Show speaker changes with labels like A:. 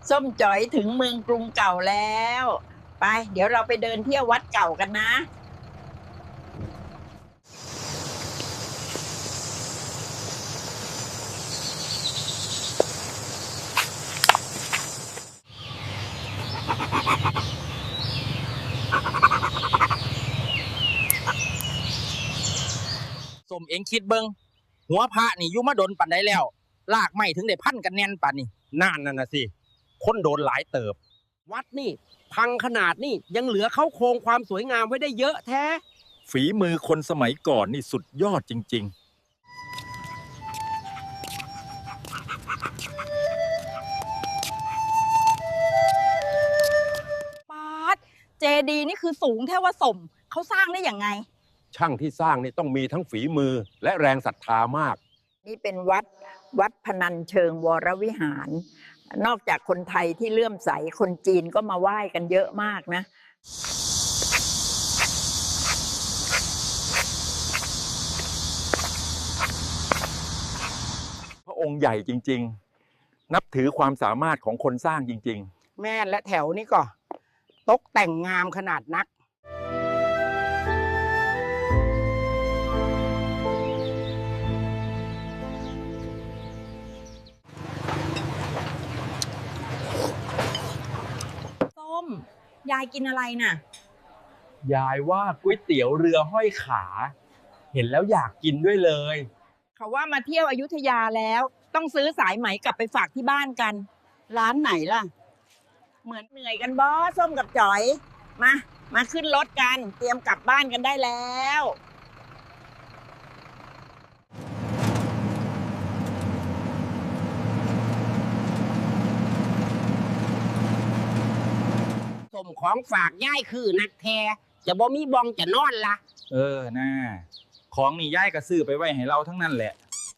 A: ส้มจ๋อยถึงเมืองกรุงเก่าแล้ว ไป เดี๋ยวเราไปเดินเที่ยววัดเก่ากันนะ
B: สมเองคิดเบิงหัวพระนี่อยู่มาโดนปันได้แล้วลากไม่ถึงได้พันกันแน่นปันนี่นั่นน่ะสิคนโดนหลายเติบ
C: วัดนี่พังขนาดนี่ยังเหลือเข้าโครงความสวยงามไว้ได้เยอะแท้
D: ฝีมือคนสมัยก่อนนี่สุดยอดจริง
E: ปาดเจดีนี่คือสูงแท้ว่าสมเขาสร้างได้อย่างไง
F: ช่างที่สร้างนี่ต้องมีทั้งฝีมือและแรงศรัทธามาก
A: นี่เป็นวัดพนัญเชิงวรวิหาร นอกจากคนไทยที่เลื่อมใสคนจีนก็มาไหว้กันเยอะมากนะ
D: ๆ พระองค์ใหญ่จริงๆ นับถือความสามารถของคนสร้างจริง
C: แม่และแถวนี่ก็ตกแต่งงามขนาดนัก
E: ส้มยายกินอะไรน่ะ
B: ยายว่าก๋วยเตี๋ยวเรือห้อยขา เห็นแล้วอยากกินด้วยเลย
A: เขาว่ามาเที่ยวอยุธยาแล้วต้องซื้อสายไหมกลับไปฝากที่บ้านกันร้านไหนล่ะเหมือนเหนื่อยกันบอส้มกับจ๋อยมาขึ้นรถกันเตรียมกลับบ้านกันได้แล้ว
C: สมของฝากย่ายคือนักแท้จะบ่มีบองจะนอนละ
B: น่าของนี่ยายก็ซื้อไปไว้ให้เราทั้งนั้นแหละ